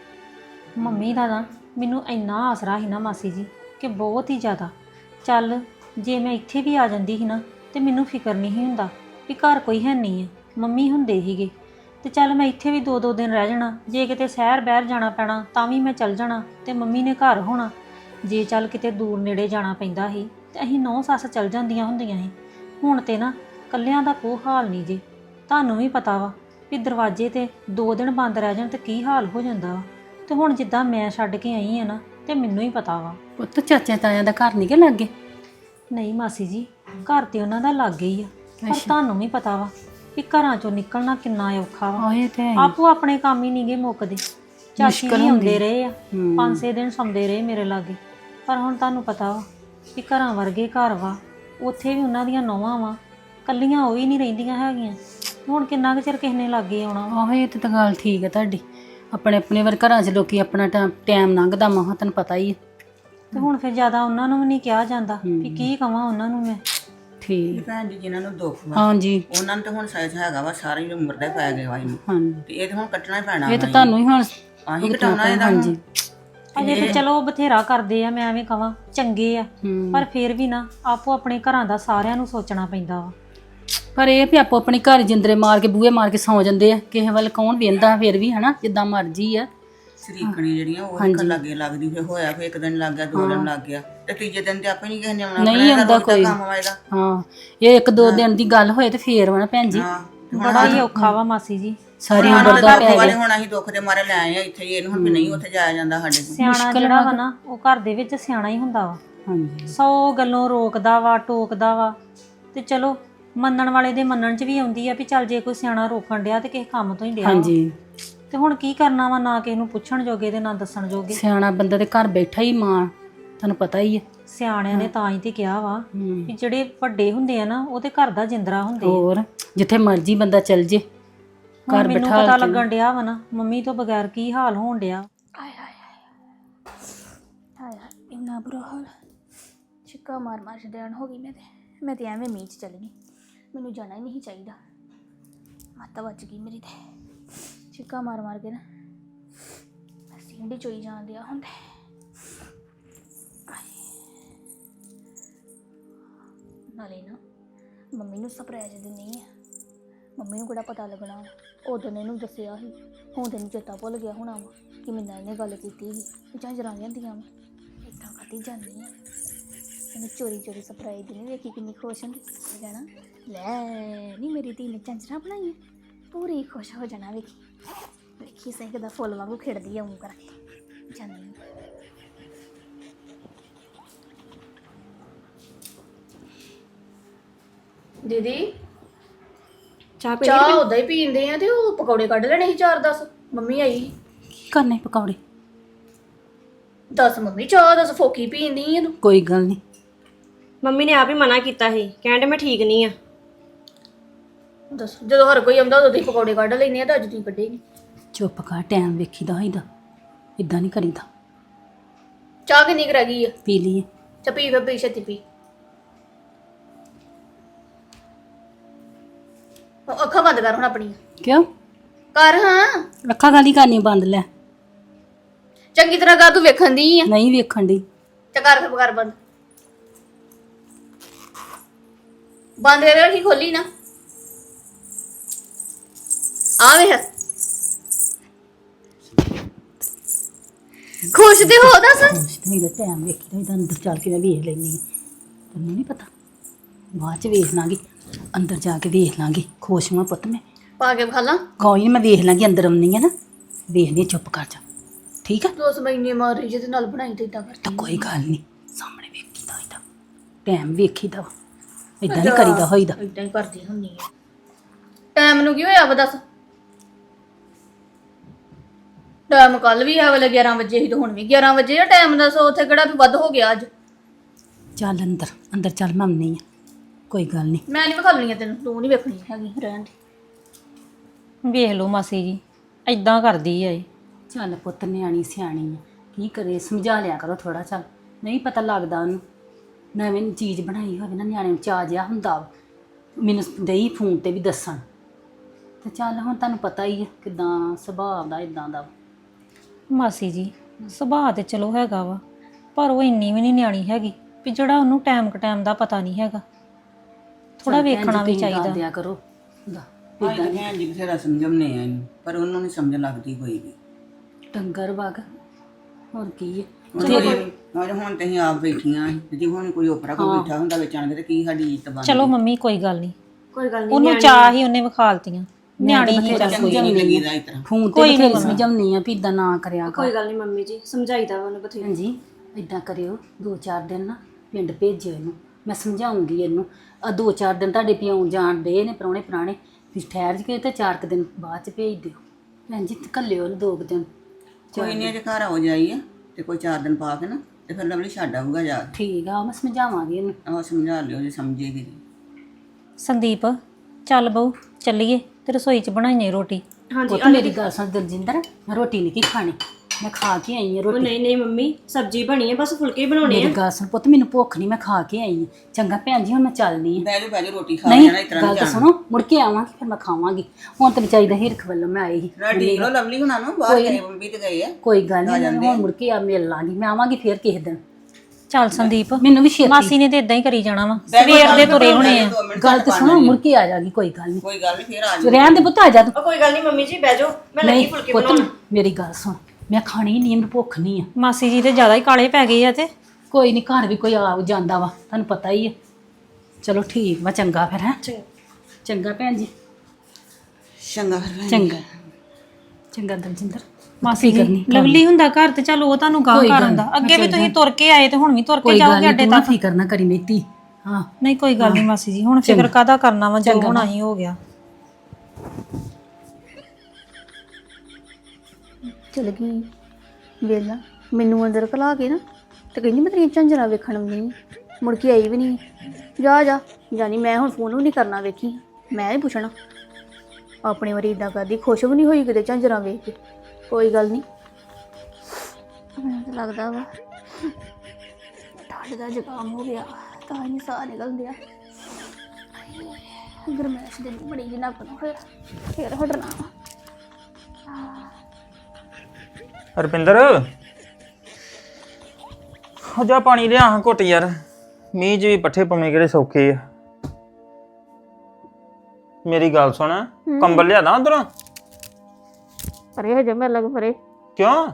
Speaker 4: ਮੰਮੀ ਦਾ ਨਾ ਮੈਨੂੰ ਇੰਨਾ ਆਸਰਾ ਸੀ ਨਾ ਮਾਸੀ ਜੀ ਕਿ ਬਹੁਤ ਹੀ ਜ਼ਿਆਦਾ। ਚੱਲ ਜੇ ਮੈਂ ਇੱਥੇ ਵੀ ਆ ਜਾਂਦੀ ਸੀ ਨਾ ਤੇ ਮੈਨੂੰ ਫਿਕਰ ਨਹੀਂ ਸੀ ਹੁੰਦਾ ਵੀ ਘਰ ਕੋਈ ਹੈ ਨਹੀਂ ਹੈ, ਮੰਮੀ ਹੁੰਦੇ ਸੀਗੇ ਤੇ ਚੱਲ ਮੈਂ ਇੱਥੇ ਵੀ ਦੋ ਦੋ ਦਿਨ ਰਹਿ ਜਾਣਾ। ਜੇ ਕਿਤੇ ਸ਼ਹਿਰ ਬਾਹਰ ਜਾਣਾ ਪੈਣਾ ਤਾਂ ਵੀ ਮੈਂ ਚੱਲ ਜਾਣਾ ਤੇ ਮੰਮੀ ਨੇ ਘਰ ਹੋਣਾ। ਜੇ ਚੱਲ ਕਿਤੇ ਦੂਰ ਨੇੜੇ ਜਾਣਾ ਪੈਂਦਾ ਸੀ ਤੇ ਅਸੀਂ ਨੌ ਸੱਸ ਚੱਲ ਜਾਂਦੀਆਂ ਹੁੰਦੀਆਂ ਸੀ। ਹੁਣ ਤੇ ਨਾ ਕੱਲਿਆਂ ਦਾ ਕੋਈ ਹਾਲ ਨਹੀਂ ਜੇ। ਤੁਹਾਨੂੰ ਵੀ ਪਤਾ ਵਾ ਵੀ ਦਰਵਾਜ਼ੇ ਤੇ ਦੋ ਦਿਨ ਬੰਦ ਰਹਿ ਜਾਣ ਤੇ ਕੀ ਹਾਲ ਹੋ ਜਾਂਦਾ ਵਾ। ਤੇ ਹੁਣ ਜਿੱਦਾਂ ਮੈਂ ਛੱਡ ਕੇ ਆਈ ਆ ਨਾ ਤੇ ਮੈਨੂੰ ਹੀ ਪਤਾ ਵਾ।
Speaker 3: ਪੁੱਤ ਚਾਚਾ ਤਾਇਆਂ ਦਾ ਘਰ ਨਹੀਂ ਕਿ ਲੱਗੇ?
Speaker 4: ਨਹੀਂ ਮਾਸੀ ਜੀ, ਘਰ ਤੇ ਉਹਨਾਂ ਦਾ ਲੱਗ ਹੀ ਆ, ਪਰ ਤੁਹਾਨੂੰ ਵੀ ਪਤਾ ਵਾ ਵੀ ਘਰਾਂ ਚੋਂ ਨਿਕਲਣਾ ਕਿੰਨਾ ਔਖਾ ਵਾ।
Speaker 3: ਆਹੇ ਤੇ
Speaker 4: ਆਪੋ ਆਪਣੇ ਕੰਮ ਹੀ ਨਹੀਂਗੇ ਮੁੱਕਦੇ। ਚਾਚੀ ਵੀ ਆਉਂਦੇ ਰਹੇ ਆ, ਪੰਜ ਛੇ ਦਿਨ ਸੌਂਦੇ ਰਹੇ ਮੇਰੇ ਲਾਗੇ। ਪਰ ਹੁਣ ਤੁਹਾਨੂੰ ਪਤਾ ਵਾ ਵੀ ਘਰਾਂ ਵਰਗੇ ਘਰ ਵਾ, ਉੱਥੇ ਵੀ ਉਹਨਾਂ ਦੀਆਂ ਨੌਵਾਂ ਵਾ, ਕੱਲੀਆਂ ਉਹ ਹੀ ਨਹੀਂ ਰਹਿੰਦੀਆਂ ਹੈਗੀਆਂ। ਹੁਣ ਕਿੰਨਾ ਕੁ ਚਿਰ ਕਿਸੇ ਨੇ ਲਾਗੇ ਆਉਣਾ ਵਾ।
Speaker 3: ਆਹੋ ਇਹ ਤਾਂ ਗੱਲ ਠੀਕ ਹੈ ਤੁਹਾਡੀ। ਆਪਣੇ ਆਪਣੇ ਵਰ ਘਰਾਂ 'ਚ ਲੋਕੀ ਆਪਣਾ ਟਾਈਮ ਲੰਘਦਾ ਮਹਾ, ਤੈਨੂੰ ਪਤਾ ਹੀ ਹੈ।
Speaker 4: ਤੇ ਹੁਣ ਫਿਰ ਜ਼ਿਆਦਾ ਉਹਨਾਂ ਨੂੰ ਵੀ ਨਹੀਂ ਕਿਹਾ ਜਾਂਦਾ ਵੀ ਕੀ ਕਵਾਂ ਉਹਨਾਂ ਨੂੰ ਮੈਂ।
Speaker 3: ਠੀਕ
Speaker 5: ਭੈਣ ਜੀ ਜਿਨ੍ਹਾਂ ਨੂੰ ਦੁੱਖ ਵਾ
Speaker 3: ਹਾਂਜੀ
Speaker 5: ਉਹਨਾਂ ਨੂੰ ਤਾਂ ਹੁਣ ਸਹਿਜ ਹੈਗਾ ਵਾ, ਸਾਰੀ ਉਮਰ ਦਾ ਪੈ ਗਿਆ ਵਾ ਇਹਨੂੰ।
Speaker 3: ਹਾਂਜੀ
Speaker 5: ਤੇ ਇਹ ਤਾਂ ਹੁਣ ਕੱਟਣਾ ਹੀ ਪੈਣਾ।
Speaker 3: ਇਹ ਤਾਂ ਤੁਹਾਨੂੰ ਹੀ ਹੁਣ
Speaker 5: ਆਹੀ ਘਟਾਉਣਾ ਇਹਦਾ।
Speaker 3: ਹਾਂਜੀ
Speaker 4: ਅਜੇ ਤੇ ਚਲੋ ਬਥੇਰਾ ਕਰਦੇ ਆ, ਮੈਂ ਐਵੇਂ ਕਵਾਂ ਚੰਗੇ ਆ, ਪਰ ਫਿਰ ਵੀ ਨਾ ਆਪੋ ਆਪਣੇ ਘਰਾਂ ਦਾ ਸਾਰਿਆਂ ਨੂੰ ਸੋਚਣਾ ਪੈਂਦਾ ਵਾ।
Speaker 3: ਪਰ ਇਹ ਵੀ ਆਪੋ ਆਪਣੀ ਘਰ ਜਿੰਦਰੇ ਮਾਰ ਕੇ ਬੂਹੇ ਮਾਰ ਕੇ ਸੌ ਜਾਂਦੇ ਆ, ਕਿਸੇ ਵੱਲ ਕੌਣ ਵੇਂਦਾ ਫਿਰ ਵੀ ਹਨਾ, ਜਿੱਦਾਂ ਮਰਜ਼ੀ ਆ।
Speaker 5: ਸਰੀਕਣੀ ਜਿਹੜੀਆਂ ਉਹ ਇੱਕ ਲੱਗੇ ਲੱਗਦੀ, ਫਿਰ ਹੋਇਆ ਫਿਰ ਇੱਕ ਦਿਨ ਲੱਗ ਗਿਆ, ਦੋ ਦਿਨ ਲੱਗ ਗਿਆ ਤੇ ਤੀਜੇ ਦਿਨ ਤੇ ਆਪੇ ਨਹੀਂ ਕਿਸੇ ਨੇ ਆਉਣਾ।
Speaker 3: ਨਹੀਂ ਆਉਂਦਾ ਕੋਈ
Speaker 5: ਕੰਮ ਵਾ ਇਹਦਾ।
Speaker 3: ਹਾਂ ਇਹ ਇੱਕ ਦੋ ਦਿਨ ਦੀ ਗੱਲ ਹੋਏ ਤੇ ਫੇਰ ਵਾ ਨਾ ਭੈਣ ਜੀ।
Speaker 5: ਹਾਂ
Speaker 4: ਬੜਾ ਹੀ ਔਖਾ ਵਾ ਮਾਸੀ ਜੀ।
Speaker 3: ਸਾਰੀ ਉਮਰ ਦਾ ਪੈ ਗਿਆ।
Speaker 5: ਹੁਣ ਅਸੀਂ ਦੁੱਖ ਦੇ ਮਾਰੇ ਲੈ ਆਏ ਆ ਇੱਥੇ ਹੀ, ਇਹਨੂੰ ਹੁਣ ਵੀ ਨਹੀਂ ਉੱਥੇ ਜਾਇਆ ਜਾਂਦਾ ਸਾਡੇ ਕੋਲ।
Speaker 4: ਸਿਆਣਾ ਜਿਹੜਾ ਵਾ ਨਾ ਉਹ ਘਰ ਦੇ ਵਿੱਚ ਸਿਆਣਾ ਹੀ ਹੁੰਦਾ ਵਾ।
Speaker 3: ਹਾਂਜੀ
Speaker 4: ਸੌ ਗੱਲੋਂ ਰੋਕਦਾ ਵਾ, ਟੋਕਦਾ ਵਾ, ਤੇ ਚਲੋ ਮੰਨਣ ਵਾਲੇ ਦੇ ਮੰਨਣ 'ਚ ਵੀ ਆਉਂਦੀ ਆ ਵੀ ਚੱਲ ਜੇ ਕੋਈ ਸਿਆਣਾ ਰੋਕਣ ਡਿਆ ਤੇ ਕਿਸੇ ਕੰਮ ਤੋਂ ਹੀ ਡਿਆ।
Speaker 3: ਹਾਂਜੀ
Speaker 4: ਤੇ ਹੁਣ ਕੀ ਕਰਨਾ ਵਾ, ਨਾ ਕਿਸੇ ਨੂੰ ਪੁੱਛਣ ਜੋਗੇ ਤੇ ਨਾ ਦੱਸਣ ਜੋਗੇ।
Speaker 3: ਸਿਆਣਾ ਬੰਦਾ ਤੇ ਘਰ ਬੈਠਾ ਹੀ ਮਾਂ, ਤੁਹਾਨੂੰ ਪਤਾ ਹੀ ਹੈ।
Speaker 4: ਸਿਆਣਿਆਂ ਨੇ ਤਾਂ ਹੀ ਤੇ ਕਿਹਾ ਵਾ
Speaker 3: ਹੂੰ।
Speaker 4: ਵੀ ਜਿਹੜੇ ਵੱਡੇ ਹੁੰਦੇ ਆ ਨਾ ਉਹ ਤੇ ਘਰ ਦਾ ਜਿੰਦਰਾ ਹੁੰਦੇ ਆ।
Speaker 3: ਹੋਰ ਜਿੱਥੇ ਮਰਜ਼ੀ ਬੰਦਾ ਚੱਲ ਜੇ
Speaker 4: ਹੁਣ
Speaker 3: ਘਰ
Speaker 4: ਮੈਨੂੰ
Speaker 3: ਬਿਠਾ
Speaker 4: ਪਤਾ
Speaker 3: ਕੇ।
Speaker 4: ਲੱਗਣ ਡਿਆ ਵਾ ਨਾ ਮੰਮੀ ਤੋਂ ਬਗੈਰ ਕੀ ਹਾਲ ਹੋਣ ਡਿਆ।
Speaker 1: ਆਏ ਹਾਏ ਹਾਏ ਹਾਏ ਇੰਨਾ ਬੁਰਾ ਹਾਲ। ਛਿੱਕਾ ਮਾਰ ਮਾਰ ਛੱਡਣ ਹੋ ਗਈ ਮੈਂ ਤੇ ਮੈਂ ਤੇ ਐਵੇਂ ਮੀਂਹ 'ਚ ਚੱਲ ਗਈ। ਮੈਨੂੰ ਜਾਣਾ ਹੀ ਨਹੀਂ ਚਾਹੀਦਾ। ਮਾਤਾ ਵੱਜ ਗਈ ਮੇਰੀ ਤੇ। ਛਿੱਕਾ ਮਾਰ ਮਾਰ ਕੇ ਨਾ ਸੀਂਡੀ ਚੋਈ ਜਾਣ ਦਿਆ ਹੁੰਦਾ। ਨਾਲੇ ਨਾ ਮੰਮੀ ਨੂੰ ਸਰਪ੍ਰਾਈਜ਼ ਦਿੰਦੀ ਆ। ਮੰਮੀ ਨੂੰ ਕਿਹੜਾ ਪਤਾ ਲੱਗਣਾ, ਉਦੋਂ ਨੇ ਇਹਨੂੰ ਦੱਸਿਆ ਸੀ, ਹੁਣ ਤੈਨੂੰ ਚੇਤਾ ਭੁੱਲ ਗਿਆ ਹੋਣਾ ਵਾ ਕਿ ਮੇਰੇ ਨਾਲ ਇਹਨੇ ਗੱਲ ਕੀਤੀ ਸੀ। ਜਾਂ ਜਰਾ ਜਾਂਦੀਆਂ ਵਾ ਇੱਦਾਂ ਕਰਦੀ ਜਾਂਦੀ ਆ। ਇਹਨੂੰ ਚੋਰੀ ਚੋਰੀ ਸਰਪ੍ਰਾਈਜ਼ ਦੇਣੀ, ਵੇਖੀ ਕਿੰਨੀ ਖੁਸ਼ ਹੁੰਦੀ ਜਾਣਾ। ਲੈ ਨਹੀਂ ਮੇਰੀ ਧੀ ਨੇ ਝਾਂਜਰਾਂ ਬਣਾਈਆਂ, ਪੂਰੀ ਖੁਸ਼ ਹੋ ਜਾਣਾ। ਵੇਖੀ ਵੇਖੀ ਸਹੀ ਕਿੱਦਾਂ ਫੁੱਲ ਵਾਂਗੂ ਖਿੜਦੀ ਆ ਮੂੰਹ ਕਰਕੇ ਜਾਂਦੀ। ਦੀਦੀ
Speaker 6: ਚਾਹ ਪੀ
Speaker 1: ਚਾਹ ਉਦਾਂ ਹੀ ਪੀਂਦੇ ਆ ਤੇ ਉਹ ਪਕੌੜੇ ਕੱਢ ਲੈਣੇ ਸੀ ਚਾਰ ਦਸ। ਮੰਮੀ ਆਈ
Speaker 3: ਕੀ ਕਰਨੇ ਪਕੌੜੇ?
Speaker 1: ਦਸ ਮੰਮੀ ਚਾਹ ਦਸ ਫੋਕੀ ਪੀਂਦੀ ਆ ਤੂੰ।
Speaker 3: ਕੋਈ ਗੱਲ ਨਹੀਂ,
Speaker 6: ਮੰਮੀ ਨੇ ਆਪ ਹੀ ਮਨਾ ਕੀਤਾ ਸੀ, ਕਹਿੰਦੇ ਮੈਂ ਠੀਕ ਨਹੀਂ ਆ।
Speaker 1: ਦੱਸ ਜਦੋਂ ਹਰ ਕੋਈ ਆਉਂਦਾ ਉਦੋਂ ਤੁਸੀਂ ਪਕੌੜੇ ਕੱਢ ਲੈਂਦੇ ਆ ਤਾਂ ਅੱਜ ਤੁਸੀਂ ਕੱਢੇ ਨਹੀਂ।
Speaker 3: ਚੁੱਪ ਕਰ, ਟਾਈਮ ਵੇਖੀਦਾ ਹੋਈਦਾ, ਇਦਾਂ ਨਹੀਂ ਕਰੀਦਾ।
Speaker 1: ਚਾਹ ਕਿੰਨੀ ਕੁ ਰਹਿ ਗਈ ਆ?
Speaker 3: ਪੀ ਲਈਏ।
Speaker 1: ਚੱਲ ਪੀ ਫਿਰ ਪੀ ਛੇਤੀ ਪੀ। ਉਹ ਅੱਖਾਂ ਬੰਦ ਕਰ ਹੁਣ ਆਪਣੀਆਂ।
Speaker 3: ਕਿਉਂ?
Speaker 1: ਕਰ ਹਾਂ,
Speaker 3: ਅੱਖਾਂ ਗਾਲੀ ਕਰਨੀ ਬੰਦ ਲੈ।
Speaker 1: ਚੰਗੀ ਤਰ੍ਹਾਂ ਕਰ, ਤੂੰ ਵੇਖਣ ਦੀ ਆ।
Speaker 3: ਨਹੀਂ ਵੇਖਣ ਦੀ।
Speaker 1: ਤੇ ਕਰ ਫਿਰ ਕਰ ਬੰਦ। ਬੰਦ ਕਰ ਕੀ ਖੋਲੀ ਨਾ। ਆ ਵੇਖ ਖੁਸ਼ ਤੇ ਹੋ ਦੱਸ।
Speaker 3: ਹੋਈਦਾ ਟਾਈਮ ਵੇਖੀਦਾ ਹੋਈਦਾ, ਅੰਦਰ ਚੱਲ ਕੇ ਮੈਂ ਵੇਖ ਲੈਂਦੀ ਹਾਂ। ਤੈਨੂੰ ਨਹੀਂ ਪਤਾ, ਬਾਅਦ ਚ ਵੇਖ ਲਾਂਗੀ, ਅੰਦਰ ਜਾ ਕੇ ਵੇਖ ਲਾਂਗੀ। ਖੁਸ਼ ਹਾਂ ਪੁੱਤ ਮੈਂ,
Speaker 1: ਪਾ ਕੇ ਖਾ ਲਾਂ।
Speaker 3: ਕੋਈ ਮੈਂ ਵੇਖ ਲਾਂਗੀ, ਅੰਦਰ ਆਉਣੀ ਹੈ ਨਾ, ਵੇਖਦੀ ਹਾਂ, ਚੁੱਪ ਕਰ ਜਾ, ਠੀਕ ਆ?
Speaker 1: ਦੋਸਤ ਮਹੀਨੇ ਮਾਰ ਰਹੀ ਜਿਹਦੇ ਨਾਲ ਬਣਾਈ ਤੇ ਇਦਾਂ ਕਰ।
Speaker 3: ਤਾਂ ਕੋਈ ਗੱਲ ਨਹੀਂ, ਸਾਹਮਣੇ ਵੇਖੀਦਾ ਹੋਈਦਾ, ਟਾਈਮ ਵੇਖੀਦਾ ਵਾ, ਇਦਾਂ ਨਹੀਂ ਕਰੀਦਾ ਹੋਈਦਾ।
Speaker 1: ਇਦਾਂ ਹੀ ਕਰਦੀ ਹੁੰਨੀ ਆ। ਟਾਈਮ ਨੂੰ ਕੀ ਹੋਇਆ ਵਾ ਦੱਸ? ਟਾਈਮ ਕੱਲ ਵੀ ਹੈ ਵੇਲੇ ਗਿਆਰਾਂ ਵਜੇ ਸੀ ਤੇ ਹੁਣ ਵੀ ਗਿਆਰਾਂ ਵਜੇ ਆ। ਟਾਈਮ ਦੱਸੋ ਉੱਥੇ ਕਿਹੜਾ ਵੀ ਵੱਧ ਹੋ ਗਿਆ ਅੱਜ?
Speaker 3: ਚੱਲ ਅੰਦਰ, ਅੰਦਰ ਚੱਲ, ਮੈਂ ਆਉਂਦੀ ਹਾਂ, ਕੋਈ ਗੱਲ ਨਹੀਂ।
Speaker 1: ਮੈਂ ਨਹੀਂ ਵਿਖਾਉਣੀ ਆ ਤੈਨੂੰ, ਤੂੰ ਨਹੀਂ ਵੇਖਣੀ ਹੈਗੀ, ਰਹਿਣ ਦੇ।
Speaker 4: ਵੇਖ ਲਓ ਮਾਸੀ ਜੀ, ਐਦਾਂ ਕਰਦੀ ਆ ਇਹ।
Speaker 3: ਚੱਲ ਪੁੱਤ, ਨਿਆਣੀ ਸਿਆਣੀ ਆ, ਕੀ ਕਰੇ, ਸਮਝਾ ਲਿਆ ਕਰੋ ਥੋੜਾ। ਚੱਲ ਨਹੀਂ ਪਤਾ ਲੱਗਦਾ ਉਹਨੂੰ, ਨਵੀਂ ਚੀਜ਼ ਬਣਾਈ ਹੋਵੇ ਨਾ, ਨਿਆਣੇ ਨੂੰ ਚਾਅ ਜਿਹਾ ਹੁੰਦਾ ਵਾ। ਮੈਨੂੰ ਦਈ ਫੋਨ ਤੇ ਵੀ ਦੱਸਣ, ਤੇ ਚੱਲ ਹੁਣ ਤੁਹਾਨੂੰ ਪਤਾ ਹੀ ਹੈ ਕਿਦਾਂ ਸੁਭਾਅ ਦਾ, ਇਦਾਂ ਦਾ ਵਾ।
Speaker 4: ਮਾਸੀ ਜੀ ਸੁਭਾਅ ਤੇ ਚਲੋ ਹੈਗਾ ਵਾ, ਪਰ ਉਹ ਇੰਨੀ ਵੀ ਨਹੀਂ ਨਿਆਣੀ ਹੈਗੀ ਵੀ ਜਿਹੜਾ ਉਹਨੂੰ ਟਾਈਮ ਕ ਟਾਈਮ ਦਾ ਪਤਾ ਨਹੀਂ ਹੈਗਾ। ਥੋੜਾ ਵੇਖਣਾ ਵੀ ਚਾਹੀਦਾ।
Speaker 3: ਦਿਆ ਕਰੋ ਦਾ
Speaker 5: ਭਾਈ ਤਾਂ ਭੈਣ ਜੀ ਬਥੇਰਾ ਸਮਝਾਉਂਦੇ ਆ ਇਹਨੂੰ, ਪਰ ਉਹਨੂੰ ਨਹੀਂ ਸਮਝ ਲੱਗਦੀ ਕੋਈ ਵੀ।
Speaker 3: ਡੰਗਰ ਵਗ, ਹੋਰ ਕੀ ਹੈ।
Speaker 5: ਹੁਣ ਹੁਣ ਤੇ ਅਸੀਂ ਆਪ ਬੈਠੀਆਂ ਸੀ, ਤੇ ਜੇ ਹੁਣ ਕੋਈ ਓਪਰਾ ਕੋਈ ਬੈਠਾ ਹੁੰਦਾ ਵਿੱਚ ਆਣ ਕੇ ਤੇ ਕੀ ਸਾਡੀ ਇੱਜ਼ਤ ਬਣਦੀ।
Speaker 4: ਚਲੋ ਮੰਮੀ ਕੋਈ ਗੱਲ ਨਹੀਂ,
Speaker 6: ਕੋਈ ਗੱਲ ਨਹੀਂ।
Speaker 4: ਉਹਨੂੰ ਚਾਹ ਹੀ ਉਹਨੇ ਵਿਖਾਲਤੀਆਂ, ਨਿਆਣੀ ਹੀ ਚੱਲ
Speaker 5: ਚੰਗੀ ਨਹੀਂ ਲੱਗੀਦਾ ਇਸ ਤਰ੍ਹਾਂ।
Speaker 3: ਫੋਨ ਤੇ ਬਥੇਰੀ ਸਮਝਾਉਣੀ ਆ ਵੀ ਇਦਾਂ ਨਾ ਕਰਿਆ ਕਰ।
Speaker 6: ਕੋਈ ਗੱਲ ਨਹੀਂ ਮੰਮੀ ਜੀ, ਸਮਝਾਈਦਾ ਉਹਨੂੰ ਬਥੇਰਾ।
Speaker 3: ਹਾਂਜੀ, ਇਦਾਂ ਕਰਿਓ, ਦੋ ਚਾਰ ਦਿਨ ਨਾ ਪਿੰਡ ਭੇਜਿਓ ਇਹਨੂੰ, ਮੈਂ ਸਮਝਾਉਂਗੀ ਇਹਨੂੰ। ਆ ਦੋ ਚਾਰ ਦਿਨ ਤੁਹਾਡੇ ਪਿਓ ਜਾਣ ਦੇ ਨੇ ਪ੍ਰਾਹੁਣੇ ਪੁਰਾਣੇ, ਵੀ ਠਹਿਰ ਕੇ ਤੇ ਚਾਰ ਕੁ ਦਿਨ ਬਾਅਦ ਚ ਭੇਜ ਦਿਓ। ਭੈਣ ਜੀ ਘੱਲਿਓ ਉਹਨੂੰ ਦੋ ਕੁ ਦਿਨ।
Speaker 5: ਕੋਈ ਨਹੀਂ, ਜੇ ਘਰ ਹੋ ਜਾਈ ਆ ਤੇ ਕੋਈ ਚਾਰ ਦਿਨ ਪਾ ਕੇ ਨਾ ਤੇ ਫਿਰ ਲਵਲੀ ਛੱਡ ਆਊਗਾ ਜਾ ਕੇ।
Speaker 3: ਠੀਕ ਆ, ਮੈਂ ਸਮਝਾਵਾਂਗੀ ਇਹਨੂੰ।
Speaker 5: ਆਹ ਸਮਝਾ ਲਿਓ ਜੇ ਸਮਝੇਗੀ ਜੀ।
Speaker 4: ਸੰਦੀਪ ਚੱਲ ਬਹੂ ਚੱਲੀਏ, ਤੇ ਰਸੋਈ 'ਚ ਬਣਾਈਏ ਰੋਟੀ।
Speaker 6: ਹਾਂਜੀ
Speaker 3: ਪੁੱਤ ਮੇਰੀ ਗੱਲ ਸੁਣ ਦਲਜਿੰਦਰ, ਮੈਂ ਰੋਟੀ ਨਹੀਂ ਕੀ ਖਾਣੀ, ਮੈਂ ਖਾ ਕੇ ਆਈ ਹਾਂ
Speaker 6: ਉਹ
Speaker 3: ਰੋਟੀ।
Speaker 6: ਨਹੀਂ ਨਹੀਂ ਮੰਮੀ, ਸਬਜ਼ੀ ਬਣੀ ਹੈ, ਬਸ ਫੁਲਕੇ ਹੀ ਬਣਾਉਣੇ ਆ।
Speaker 3: ਮੇਰੀ ਗੱਲ ਸੁਣ ਪੁੱਤ, ਮੈਨੂੰ ਭੁੱਖ ਨਹੀਂ, ਮੈਂ ਖਾ ਕੇ ਆਈ ਹਾਂ। ਚੰਗਾ ਭੈਣ ਜੀ, ਹੁਣ ਮੈਂ ਚੱਲਦੀ ਹਾਂ।
Speaker 5: ਬਹਿ ਜਾ ਬਹਿ ਜਾ, ਰੋਟੀ ਖਾ
Speaker 3: ਨਹੀਂ
Speaker 5: ਲੈਣਾ ਇਸ ਤਰ੍ਹਾਂ
Speaker 3: ਗੱਲ
Speaker 5: ਨਹੀਂ
Speaker 3: ਤਾਂ
Speaker 5: ਜਾਣਾ।
Speaker 3: ਸੁਣੋ, ਮੁੜ ਕੇ ਆਵਾਂਗੀ ਫਿਰ ਮੈਂ ਖਾਵਾਂਗੀ। ਹੁਣ ਤੇ ਵਿਚਾਰੀ ਦਾ ਹਿਰਖ ਵੱਲੋਂ ਮੈਂ ਆਈ ਸੀ।
Speaker 5: ਰੈਡੀ ਲੋ ਲਵਲੀ ਹੁਣਾਂ ਨੂੰ ਬਾਹਰ ਗਏ, ਬੰਬੀ ਤੇ ਗਏ ਆ।
Speaker 3: ਕੋਈ ਗੱਲ ਨਹੀਂ, ਹੁਣ ਮੁੜ ਕੇ ਆ ਮਿਲ ਲਾਂਗੀ, ਮੈਂ ਆਵਾਂਗੀ ਫਿਰ ਕਿਸੇ ਦਿਨ।
Speaker 4: ਚੱਲ ਸੰਦੀਪ,
Speaker 3: ਮੈਨੂੰ ਵੀ ਛੇਤੀ
Speaker 4: ਮਾਸੀ ਨੇ ਤੇ ਇਦਾਂ ਹੀ ਕਰੀ ਜਾਣਾ ਵਾ, ਸਵੇਰ ਦੇ ਤੁਰੇ ਹੋਣੇ ਆ।
Speaker 3: ਗੱਲ ਤੇ ਸੁਣੋ, ਮੁੜ ਕੇ ਆ ਜਾਗੀ, ਕੋਈ ਗੱਲ ਨਹੀਂ।
Speaker 5: ਕੋਈ ਗੱਲ ਨਹੀਂ, ਫਿਰ ਆ ਜਾ।
Speaker 3: ਰਹਿਣ ਦੇ ਪੁੱਤ, ਆ ਜਾ ਤੂੰ।
Speaker 6: ਉਹ ਕੋਈ ਗੱਲ ਨਹੀਂ ਮੰਮੀ ਜੀ, ਬਹਿ ਜਾਓ, ਮੈਂ ਲੱਗੀ
Speaker 3: ਨਹੀਂ
Speaker 6: ਫੁਲਕੇ
Speaker 3: ਪੁੱਤ,
Speaker 6: ਬਣਾਉਣ।
Speaker 3: ਮੇਰੀ ਗੱਲ ਸੁਣ, ਮੈਂ ਖਾਣੀ ਨਹੀਂ, ਮੈਨੂੰ ਭੁੱਖ ਨਹੀਂ ਆ।
Speaker 4: ਮਾਸੀ ਜੀ ਤੇ ਜ਼ਿਆਦਾ ਹੀ ਕਾਲੇ ਪੈ ਗਏ ਆ ਤੇ।
Speaker 3: ਕੋਈ ਨਹੀਂ, ਘਰ ਵੀ ਕੋਈ ਆ ਜਾਂਦਾ ਵਾ, ਤੁਹਾਨੂੰ ਪਤਾ ਹੀ ਹੈ। ਚਲੋ ਠੀਕ ਵਾ, ਚੰਗਾ ਫਿਰ। ਹੈ ਚੰਗਾ ਭੈਣ ਜੀ,
Speaker 5: ਚੰਗਾ ਫਿਰ ਭੈਣ ਜੀ।
Speaker 3: ਚੰਗਾ ਚੰਗਾ ਦਲਜਿੰਦਰ।
Speaker 4: ਮਾਸੀ ਜੀ ਲਵਲੀ ਹੁੰਦਾ ਘਰ ਤੇ ਚੱਲ ਉਹ ਤੁਹਾਨੂੰ ਗਾਹ ਕਰ ਆਉਂਦਾ। ਅੱਗੇ ਵੀ ਤੁਸੀਂ ਤੁਰ ਕੇ ਆਏ ਤੇ ਹੁਣ ਵੀ ਤੁਰ ਕੇ
Speaker 3: ਕੋਈ ਗੱਲ
Speaker 4: ਜਾਓਗੇ
Speaker 3: ਨਹੀਂ,
Speaker 4: ਅੱਡੇ
Speaker 3: ਤੂੰ ਨਾ
Speaker 4: ਤੱਕ।
Speaker 3: ਫਿਕਰ ਨਾ ਕਰੀ ਮੇਤੀ। ਹਾਂ
Speaker 4: ਨਹੀਂ ਕੋਈ ਗੱਲ ਨਹੀਂ ਮਾਸੀ ਜੀ, ਹੁਣ ਫਿਕਰ ਕਾਹਦਾ ਕਰਨਾ ਵਾ, ਜੋ ਹੋਣਾ ਹੀ ਹੋ ਗਿਆ।
Speaker 1: ਚਲ ਗਈ ਵੇਲਾ, ਮੈਨੂੰ ਅੰਦਰ ਘਲਾ ਕੇ ਨਾ ਤੇ ਕਹਿੰਦੀ ਮੈਂ ਤੇਰੀਆਂ ਝਾਂਜਰਾਂ ਵੇਖਣ ਆਉਂਦੀ ਹਾਂ। ਮੁੜ ਕੇ ਆਈ ਵੀ ਨਹੀਂ। ਜਾ ਜਾ ਜਾਨੀ, ਮੈਂ ਹੁਣ ਫੋਨ ਵੀ ਨਹੀਂ ਕਰਨਾ, ਵੇਖੀ ਮੈਂ ਨਹੀਂ ਪੁੱਛਣਾ। ਆਪਣੇ ਵਾਰੀ ਇਦਾਂ ਕਰਦੀ, ਖੁਸ਼ ਵੀ ਨਹੀਂ ਹੋਈ ਕਿਤੇ ਝਾਂਜਰਾਂ ਵੇਖ ਕੇ। ਕੋਈ ਗੱਲ ਨਹੀਂ, ਮੈਨੂੰ ਤਾਂ ਲੱਗਦਾ ਵਾ ਠੰਡ ਦਾ ਜ਼ੁਕਾਮ ਹੋ ਗਿਆ, ਤਾਂ ਹੀ ਸਾਹ ਨਿਕਲਦੇ ਆ। ਗਰਮੈਸ਼ ਦੇ ਬੜੀ ਜਿਹੀ ਨੱਕ ਨੂੰ ਹੋਇਆ, ਫਿਰ ਹਟਣਾ ਵਾ।
Speaker 2: ਰੁਪਿੰਦਰ ਹੋ ਜਾ ਪਾਣੀ ਲਿਆ ਹਾਂ ਘੁੱਟ ਯਾਰ, ਮੀਂਹ 'ਚ ਵੀ ਪੱਠੇ ਪਾਉਣੇ ਕਿਹੜੇ ਸੌਖੇ ਆ। ਮੇਰੀ ਗੱਲ ਸੁਣ, ਕੰਬਲ ਲਿਆਦਾ ਉਧਰੋਂ।
Speaker 1: ਪਰੇ ਹੋ ਜਾ, ਮੇਰੇ ਲੱਗ ਪਰੇ।
Speaker 2: ਕਿਉਂ?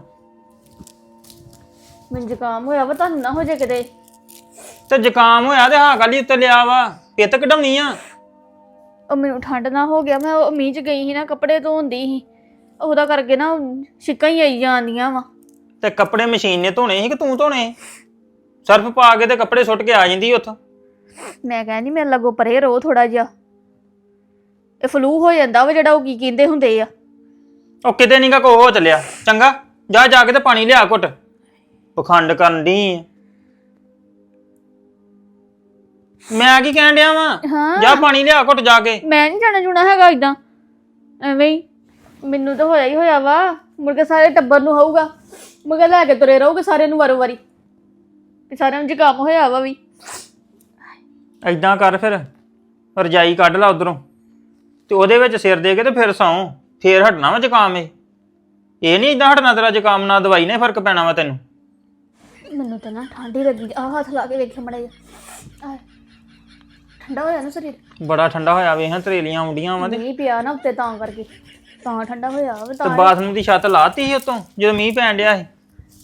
Speaker 1: ਮੈਨੂੰ ਜ਼ੁਕਾਮ ਹੋਇਆ ਵਾ, ਤੁਹਾਨੂੰ ਨਾ ਹੋ ਜਾ ਕਿਤੇ।
Speaker 2: ਤੇ ਜ਼ੁਕਾਮ ਹੋਇਆ ਤੇ ਹਾਂ ਕਾਲੀ ਉੱਤੇ ਲਿਆ ਵਾ, ਪਿੱਤ ਕਢਾਉਣੀ ਆ।
Speaker 1: ਉਹ ਮੈਨੂੰ ਠੰਡ ਨਾ ਹੋ ਗਿਆ, ਮੈਂ ਉਹ ਮੀਂਹ 'ਚ ਗਈ ਸੀ ਨਾ, ਕੱਪੜੇ ਧੋਂਦੀ ਸੀ, ਉਹਦਾ ਕਰਕੇ ਨਾ ਛਿੱਕਾਂ ਹੀ ਆਈ ਜਾਂਦੀਆਂ ਵਾ।
Speaker 2: ਤੇ ਕੱਪੜੇ ਮਸ਼ੀਨ ਨੇ ਧੋਣੇ ਸੀ ਕਿ ਤੂੰ ਧੋਣੇ? ਸਰਫ ਪਾ ਕੇ ਤੇ ਕੱਪੜੇ ਸੁੱਟ ਕੇ ਆ ਜਾਂਦੀ ਉੱਥੋਂ।
Speaker 1: ਮੈਂ ਕਹਿੰਦੀ ਮੇਰੇ ਲੱਗੋ ਪਰੇ ਰਹੋ ਥੋੜਾ ਜਿਹਾ, ਇਹ ਫਲੂ ਹੋ ਜਾਂਦਾ ਵਾ ਜਿਹੜਾ, ਉਹ ਕੀ ਕਹਿੰਦੇ ਹੁੰਦੇ ਆ।
Speaker 2: ਉਹ ਕਿਤੇ ਨੀ ਗਾ ਕੋ ਹੋ ਚੱਲਿਆ। ਚੰਗਾ ਜਾ ਜਾ ਕੇ ਤੇ ਪਾਣੀ ਲਿਆ ਘੁੱਟ, ਪਖੰਡ ਕਰਨ ਦੀ। ਮੈਂ ਕੀ ਕਹਿਣ ਡਿਆ ਵਾਂ
Speaker 1: ਹਾਂ
Speaker 2: ਜਾ ਪਾਣੀ ਲਿਆ ਘੁੱਟ ਜਾ ਕੇ।
Speaker 1: ਮੈਂ ਨਹੀਂ ਜਾਣਾ ਜੁਣਾ ਹੈਗਾ ਇਦਾਂ ਐਵੇਂ ਹੀ ਮੈਨੂੰ ਤਾਂ ਹੋਇਆ ਹੀ ਹੋਇਆ ਵਾ ਮੁੜ ਕੇ ਸਾਰੇ ਟੱਬਰ ਨੂੰ ਹੋਊਗਾ ਮੁੜ ਕੇ ਲੈ ਕੇ ਤੁਰੇ ਰਹੋਗੇ ਸਾਰਿਆਂ ਨੂੰ ਵਾਰੋ ਵਾਰੀ ਕਿ ਸਾਰਿਆਂ ਨੂੰ ਜ਼ੁਕਾਮ ਹੋਇਆ ਵਾ ਵੀ
Speaker 2: ਏਦਾਂ ਕਰ ਫਿਰ ਰਜਾਈ ਕੱਢ ਲਾ ਉਧਰੋਂ ਤੇ ਉਹਦੇ ਵਿੱਚ ਸਿਰ ਦੇ ਕੇ ਤੇ ਫਿਰ ਸੌਂ ਫੇਰ ਹਟਣਾ ਵਾ ਜ਼ੁਕਾਮ ਇਹ ਇਹ ਨਹੀਂ ਏਦਾਂ ਹਟਣਾ ਤੇਰਾ ਜ਼ੁਕਾਮ ਨਾਲ ਦਵਾਈ ਨੇ ਫਰਕ ਪੈਣਾ ਵਾ ਤੈਨੂੰ।
Speaker 1: ਮੈਨੂੰ ਤਾਂ ਨਾ ਠੰਡ ਹੀ ਲੱਗੀ ਆ ਹੱਥ ਲਾ ਕੇ ਵੇਖਿਆ ਮੜਾ ਜਾ ਠੰਡਾ ਹੋਇਆ ਨਾ ਸਰੀਰ
Speaker 2: ਬੜਾ ਠੰਡਾ ਹੋਇਆ ਵੇ ਹਾਂ ਤਰੇਲੀਆਂ ਆਉਂਦੀਆਂ ਵਾ ਤੇ
Speaker 1: ਮੀਂਹ ਪਿਆ ਨਾ ਉੱਤੇ ਤਾਂ ਕਰਕੇ ਤਾਂ ਠੰਡਾ ਹੋਇਆ ਵਾ
Speaker 2: ਤੇ
Speaker 1: ਤਾਂ
Speaker 2: ਬਾਥਰੂਮ ਦੀ ਛੱਤ ਲਾਤੀ ਸੀ ਉਤੋਂ ਜਦੋਂ ਮੀਂਹ ਪੈਣ ਡਿਆ ਸੀ।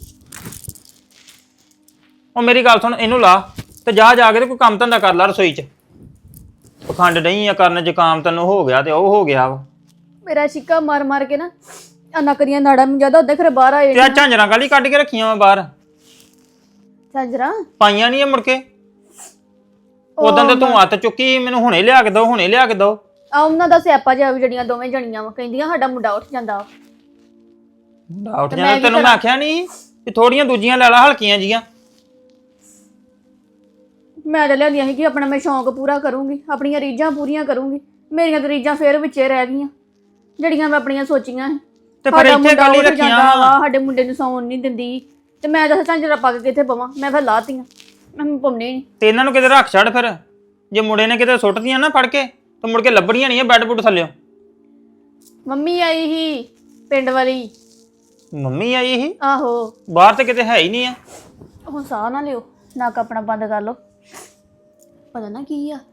Speaker 2: ਉਹ ਮੇਰੀ ਗੱਲ ਸੁਣ ਇਹਨੂੰ ਲਾ ਤੇ ਜਾ ਜਾ ਕੇ ਤੇ ਕੋਈ ਕੰਮ ਧੰਦਾ ਕਰ ਲਾ ਰਸੋਈ 'ਚ ਪਖੰਡ ਨਹੀਂ ਆ ਕਰਨ ਜ਼ੁਕਾਮ ਤੈਨੂੰ ਹੋ ਗਿਆ ਤੇ ਉਹ ਹੋ ਗਿਆ ਵਾ
Speaker 1: ਮੇਰਾ ਛਿੱਕਾ ਮਾਰ ਮਾਰ ਕੇ ਨਾ ਆ ਨਕਰੀਆਂ ਨਾੜਾਂ ਨੂੰ ਜ਼ਿਆਦਾ ਉੱਧਰ ਖਰੇ ਬਾਹਰ ਆਏ
Speaker 2: ਤੇ ਆ ਝਾਂਜਰਾਂ ਕਾਲੀ ਕੱਢ ਕੇ ਰੱਖੀਆਂ ਵਾ ਬਾਹਰ
Speaker 1: ਝਾਂਜਰਾਂ
Speaker 2: ਪਾਈਆਂ ਨਹੀਂ ਆ ਮੁੜ ਕੇ ਉਦੋਂ ਤੇ ਤੂੰ ਹੱਥ ਚੁੱਕੀ ਮੈਨੂੰ ਹੁਣੇ ਲਿਆ ਕੇ ਦੋ ਹੁਣੇ ਲਿਆ ਕੇ ਦੋ।
Speaker 1: ਆ ਉਹਨਾਂ ਦਾ ਸਿਆਪਾ ਜਿਹਾ ਵੀ ਜਿਹੜੀਆਂ ਦੋਵੇਂ ਜਣੀਆਂ ਵਾ ਕਹਿੰਦੀਆਂ ਸਾਡਾ ਮੁੰਡਾ ਉੱਠ ਜਾਂਦਾ ਵਾ।
Speaker 2: ਮੁੰਡਾ ਉੱਠ ਜਾਂਦਾ ਤੈਨੂੰ ਮੈਂ ਆਖਿਆ ਨਹੀਂ ਵੀ ਥੋੜੀਆਂ ਦੂਜੀਆਂ ਲੈ ਲਾ ਹਲਕੀਆਂ ਜੀਆਂ। ਮੈਂ ਤਾਂ ਲਿਆਂਦੀਆਂ ਸੀ ਕਿ ਆਪਣਾ ਮੈਂ ਸ਼ੌਂਕ ਪੂਰਾ ਕਰੂੰਗੀ ਆਪਣੀਆਂ ਰੀਝਾਂ ਪੂਰੀਆਂ ਕਰੂੰਗੀ ਮੇਰੀਆਂ ਤਾਂ ਰੀਝਾਂ ਫੇਰ ਵਿੱਚੇ ਰਹਿ ਗਈਆਂ ਜਿਹੜੀਆਂ ਮੈਂ ਆਪਣੀਆਂ ਸੋਚੀਆਂ ਸੀ ਤੇ ਫਿਰ ਇੱਥੇ ਕਾਲੀ ਰੱਖੀਆਂ ਵਾ ਸਾਡੇ ਮੁੰਡੇ ਨੂੰ ਸੌਣ ਨਹੀਂ ਦਿੰਦੀ ਤੇ ਮੈਂ ਦੱਸ ਝਾਂਜਰਾ ਪਾ ਕੇ ਕਿੱਥੇ ਪਵਾਂ ਮੈਂ ਫਿਰ ਲਾਤੀਆਂ ਮੈਂ ਪਾਉਣੀ ਨਹੀਂ ਤੇ ਇਹਨਾਂ ਨੂੰ ਕਿਤੇ ਰੱਖ ਛੱਡ ਫਿਰ ਜੇ ਮੁੰਡੇ ਨੇ ਕਿਤੇ ਸੁੱਟਦੀਆਂ ਨਾ ਫੜ ਕੇ ਤੇ ਮੁੜ ਕੇ ਲੱਭਣੀਆਂ ਨਹੀਂ ਬੈੱਡ ਬੁੱਡ ਥੱਲਿਓ।
Speaker 1: ਮੰਮੀ ਆਈ ਸੀ ਪਿੰਡ ਵਾਲੀ
Speaker 2: ਮੰਮੀ ਆਈ ਸੀ
Speaker 1: ਆਹੋ
Speaker 2: ਬਾਹਰ ਤੇ ਕਿਤੇ ਹੈ ਹੀ ਨਹੀਂ ਆ।
Speaker 1: ਹੁਣ ਸਾਹ ਨਾ ਲਿਓ ਨੱਕ ਆਪਣਾ ਬੰਦ ਕਰ ਲਓ ਪਤਾ ਨਾ ਕੀ ਆ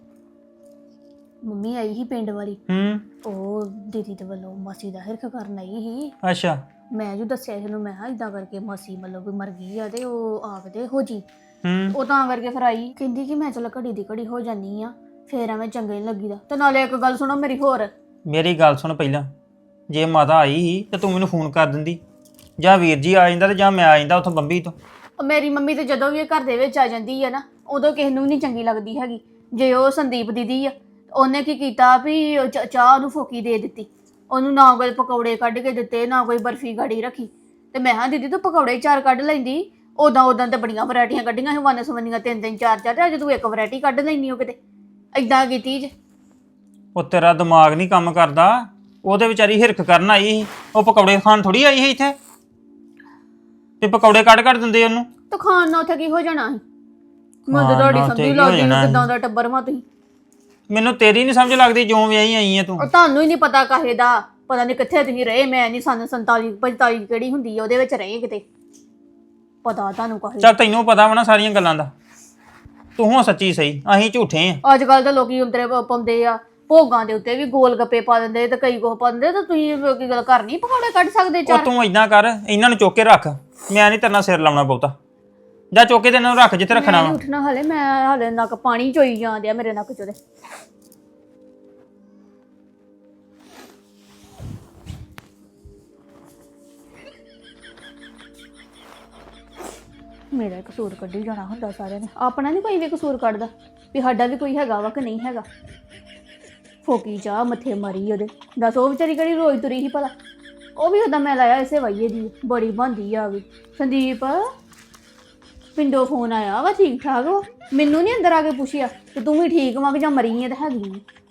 Speaker 1: ਮੰਮੀ ਆਈ ਸੀ ਪਿੰਡ ਵਾਲੀ
Speaker 2: ਹੂੰ
Speaker 1: ਉਹ ਦੀਦੀ ਦੇ ਵੱਲੋਂ ਮਾਸੀ ਦਾ ਹਿਰਖ ਕਰਨ ਆਈ ਸੀ
Speaker 2: ਅੱਛਾ
Speaker 1: ਮੈਂ ਜੋ ਦੱਸਿਆ ਇਹਨੂੰ ਮੈਂ ਕਿਹਾ ਇਦਾਂ ਕਰਕੇ ਮਾਸੀ ਮਤਲਬ ਕੋਈ ਮਰ ਗਈ ਆ ਤੇ ਉਹ ਆਖਦੇ ਹੋ ਜੀ
Speaker 2: ਹੂੰ
Speaker 1: ਉਹ ਤਾਂ ਕਰਕੇ ਫਿਰ ਆਈ ਕਹਿੰਦੀ ਕਿ ਮੈਂ ਚਲ ਘੜੀ ਦੀ ਘੜੀ ਹੋ ਜਾਨੀ ਆ ਫੇਰ ਐਵੇਂ ਚੰਗੇ ਨਹੀਂ ਲੱਗੀਦਾ ਤੇ ਨਾਲੇ ਇੱਕ ਗੱਲ ਸੁਣੋ ਮੇਰੀ ਹੋਰ
Speaker 2: ਮੇਰੀ ਗੱਲ ਸੁਣ ਪਹਿਲਾਂ ਜੇ ਮਾਤਾ ਆਈ ਸੀ ਤੇ ਤੂੰ ਮੈਨੂੰ ਫੋਨ ਕਰ ਦਿੰਦੀ ਜਾਂ ਵੀਰ ਜੀ ਆ ਜਾਂਦਾ ਤੇ ਜਾਂ ਮੈਂ ਆ ਜਾਂਦਾ ਉੱਥੋਂ ਬੰਬੀ ਤੋਂ।
Speaker 1: ਉਹ ਮੇਰੀ ਮੰਮੀ ਤੇ ਜਦੋਂ ਵੀ ਇਹ ਘਰ ਦੇ ਵਿੱਚ ਆ ਜਾਂਦੀ ਆ ਨਾ ਉਦੋਂ ਕਿਸੇ ਨੂੰ ਨਹੀਂ ਚੰਗੀ ਲੱਗਦੀ ਹੈਗੀ। ਜੇ ਉਹ ਸੰਦੀਪ ਦੀਦੀ ਆ ਉਹਨੇ ਕੀ ਕੀਤਾ ਵੀ ਉਹ ਚ- ਚਾਹ ਉਹਨੂੰ ਫੋਕੀ ਦੇ ਦਿੱਤੀ ਉਹਨੂੰ ਨਾ ਕੋਈ ਪਕੌੜੇ ਕੱਢ ਕੇ ਦਿੱਤੇ ਨਾ ਕੋਈ ਬਰਫੀ ਗਾੜੀ ਰੱਖੀ ਤੇ ਮੈਂ ਹਾਂ ਦੀਦੀ ਤੂੰ ਪਕੌੜੇ ਚਾਰ ਕੱਢ ਲੈਂਦੀ ਉਦਾਂ ਉਦਾਂ ਤੇ ਬੜੀਆਂ ਵੈਰਾਈਟੀਆਂ ਕੱਢੀਆਂ ਸੀ ਵੰਨ ਸਵੰਨੀਆਂ ਤਿੰਨ ਤਿੰਨ ਚਾਰ ਚਾਰ ਤੇ ਅੱਜ ਤੂੰ ਇੱਕ ਵੈਰਾਈਟੀ ਕੱਢ ਲੈਂਦੀ ਹੋ ਕਿਤੇ ਏਦਾਂ ਕੀਤੀ ਜੇ।
Speaker 2: ਉਹ ਤੇਰਾ ਦਿਮਾਗ ਨਹੀਂ ਕੰਮ ਕਰਦਾ ਉਹਦੇ ਵਿਚਾਰੀ ਹਿਰਖ ਕਰਨ ਆਈ ਸੀ ਉਹ ਪਕੌੜੇ ਖਾਣ ਥੋੜੀ ਆਈ ਸੀ ਇੱਥੇ ਤੇ ਪਕੌੜੇ ਕੱਢ ਕੱਢ ਦਿੰਦੇ ਉਹਨੂੰ।
Speaker 1: ਤਾਂ ਖਾਣ ਨਾਲ ਉੱਥੇ ਕੀ ਹੋ ਜਾਣਾ ਸੀ ਮੈਂ ਤਾਂ
Speaker 2: ਖਾਣ
Speaker 1: ਤੁਹਾਡੀ
Speaker 2: ਨਾਲ ਉੱਥੇ
Speaker 1: ਸਮਝੀ
Speaker 2: ਕੀ ਹੋ
Speaker 1: ਲੱਗਦੀ
Speaker 2: ਜਾਣਾ
Speaker 1: ਕਿਦਾਂ ਦਾ ਟੱਬਰ ਮਾ ਤੁਸੀਂ
Speaker 2: ਮੈਨੂੰ ਤੇਰੀ ਨਹੀਂ ਸਮਝ ਲੱਗਦੀ ਜਿਉਂ ਵਿਆਹੀ ਆਈ ਹੈ ਤੂੰ।
Speaker 1: ਉਹ ਤੁਹਾਨੂੰ ਹੀ ਨਹੀਂ ਪਤਾ ਕਾਹੇ ਦਾ ਪਤਾ ਨਹੀਂ ਕਿੱਥੇ ਤੁਸੀਂ ਰਹੇ ਮੈਂ ਨਹੀਂ ਸਾਨੂੰ ਸੰਤਾਲੀ ਪੰਤਾਲੀ ਕਿਹੜੀ ਹੁੰਦੀ ਆ ਉਹਦੇ ਵਿੱਚ ਰਹੇ ਕਿਤੇ ਪਤਾ ਤੁਹਾਨੂੰ ਕਾਹੇ
Speaker 2: ਚੱਲ ਤੈਨੂੰ ਪਤਾ ਵਾ ਨਾ ਸਾਰੀਆਂ ਗੱਲਾਂ ਦਾ ਤੂੰ ਹੋ ਸੱਚੀ ਸਹੀ ਅਸੀਂ ਝੂਠੇ ਆ।
Speaker 1: ਅੱਜ ਕੱਲ ਤਾਂ ਲੋਕੀ ਉਂਤਰੇ ਪਾਉਂਦੇ ਆ ਭੋਗਾਂ ਦੇ ਉੱਤੇ ਵੀ ਗੋਲ ਗੱਪੇ ਪਾ ਦਿੰਦੇ ਤੇ ਕਈ ਕੁਛ ਪਾ ਦਿੰਦੇ ਤਾਂ ਤੁਸੀਂ ਕੀ ਗੱਲ ਘਰ ਨਹੀਂ ਪਕੌੜੇ ਕੱਢ ਸਕਦੇ
Speaker 2: ਉਹ
Speaker 1: ਚਾਰ
Speaker 2: ਤੂੰ ਇਦਾਂ ਕਰ ਇਹਨਾਂ ਨੂੰ ਚੁੱਕ ਕੇ ਰੱਖ ਮੈਂ ਨਹੀਂ ਤੇਰੇ ਨਾਲ ਸਿਰ ਲਾਉਣਾ ਬਹੁਤਾ ਜਾਂ ਚੁੱਕ ਕੇ ਤੇ ਇਹਨਾਂ ਨੂੰ ਰੱਖ ਜਿੱਥੇ ਰੱਖਣਾ
Speaker 1: ਮੈਂ
Speaker 2: ਵਾ।
Speaker 1: ਨੀ ਉੱਠਣਾ ਹਾਲੇ ਮੈਂ ਹਾਲੇ ਨੱਕ ਪਾਣੀ ਚੋਈ ਜਾਂਦੇ ਆ ਮੇਰੇ ਨੱਕ ਚੋਂ ਦੇ ਮੇਰਾ ਕਸੂਰ ਕੱਢੀ ਜਾਣਾ ਹੁੰਦਾ ਸਾਰਿਆਂ ਨੇ ਆਪਣਾ ਨਹੀਂ ਕੋਈ ਵੀ ਕਸੂਰ ਕੱਢਦਾ ਵੀ ਸਾਡਾ ਵੀ ਕੋਈ ਹੈਗਾ ਵਾ ਕਿ ਨਹੀਂ ਹੈਗਾ ਫੋਕੀ ਚਾਹ ਮੱਥੇ ਮਾਰੀ ਉਹਦੇ ਦੱਸ ਉਹ ਵਿਚਾਰੀ ਕਿਹੜੀ ਰੋਈ ਤੁਰੀ ਸੀ ਭਲਾ ਉਹ ਵੀ ਉਹਦਾ ਮੈਂ ਲਾਇਆ ਇਸੇ ਵਾਈਏ ਦੀ ਬੜੀ ਬੰਦੀ ਆ ਗਈ ਸੰਦੀਪ ਪਿੰਡੋਂ ਫੋਨ ਆਇਆ ਵਾ ਠੀਕ ਠਾਕ ਵਾ ਮੈਨੂੰ ਨਹੀਂ ਅੰਦਰ ਆ ਕੇ ਪੁੱਛਿਆ ਕਿ ਤੂੰ ਵੀ ਠੀਕ ਵਾਂ ਕਿ ਜਾਂ ਮਰੀ ਹੈ ਤਾਂ ਹੈਗੀ ਆਂ।